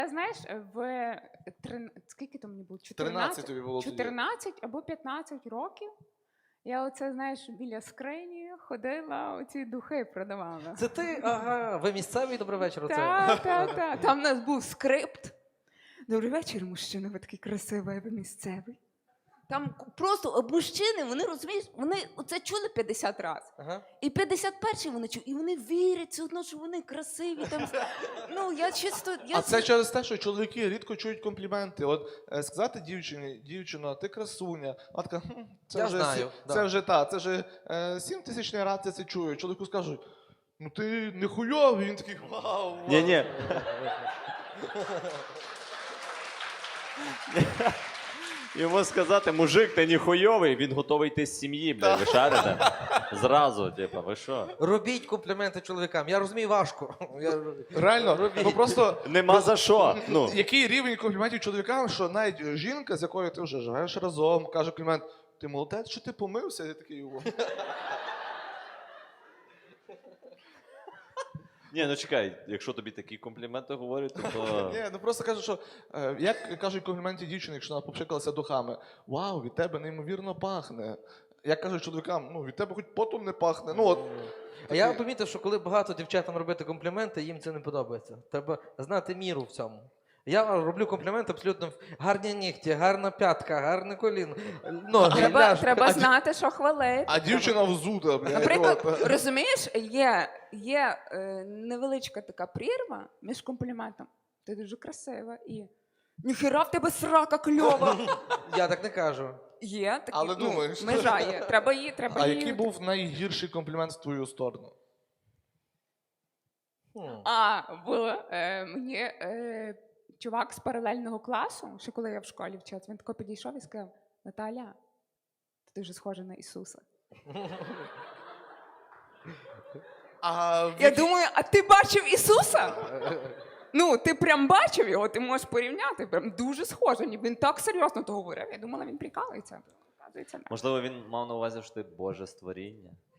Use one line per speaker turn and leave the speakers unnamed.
Знаєш, скільки то мені було?
13 тобі було тоді.
14 або 15 років. Я оце, знаєш, біля скрині ходила, оці духи продавала.
Це ти? Ага, ви місцевий, добрий вечір.
Так. Там у нас був скрипт. Добрий вечір, мужчина, ви такий красивий, ви місцевий. Там просто мужчини, вони, розумієш, вони це чули 50 разів.
Ага.
І 51-й вони чули, і вони вірять все одно, що вони красиві. Там, ну, я чисто...
А це через те, що чоловіки рідко чують компліменти. От сказати дівчині, дівчино, ти красуня. Вона така,
Я знаю,
це вже 7000 раз я це чую. Чоловіку скажуть, ну ти не хуйовий, він такий, вау.
Ні. Йому сказати, мужик, ти не хуйовий, він готовий йти з сім'ї, блядь, ви шарите? Зразу, типа, ви що?
Робіть компліменти чоловікам. Я розумію, важко.
Реально, ну просто...
Нема за що. Ну.
Який рівень компліментів чоловікам, що навіть жінка, з якою ти вже живеш разом, каже комплімент, ти молодець, що ти помився? Я такий, о.
Ні, ну чекай, якщо тобі такі компліменти говорять, то...
Ні, ну просто кажу, що як кажуть компліменти дівчини, якщо вона попшикалася духами, вау, від тебе неймовірно пахне. Як кажуть чоловікам, ну від тебе хоч потом не пахне. Ну, от,
А я помітив, що коли багато дівчатам робити компліменти, їм це не подобається. Треба знати міру в цьому. Я роблю компліменти абсолютно гарні нігті, гарна п'ятка, гарне коліно, ноги,
Треба знати, що хвалити.
а дівчина взута, блядь.
Наприклад,
от.
розумієш, є невеличка така прірва між компліментом. Ти дуже красива і ніхера в тебе срака кльова.
Я так не кажу.
Є такі,
Але думаєш.
межа є. Треба її.
А який був найгірший комплімент в твою сторону?
Було мені чувак з паралельного класу, ще коли я в школі вчилась, він тако підійшов і сказав: Наталя, ти дуже схожа на Ісуса. Я думаю, а ти бачив Ісуса? Ну, ти прям бачив його, ти можеш порівняти, прям дуже схоже. Він так серйозно то говорив. Я думала, він прикалується.
Можливо, він мав на увазі, що ти Боже створіння.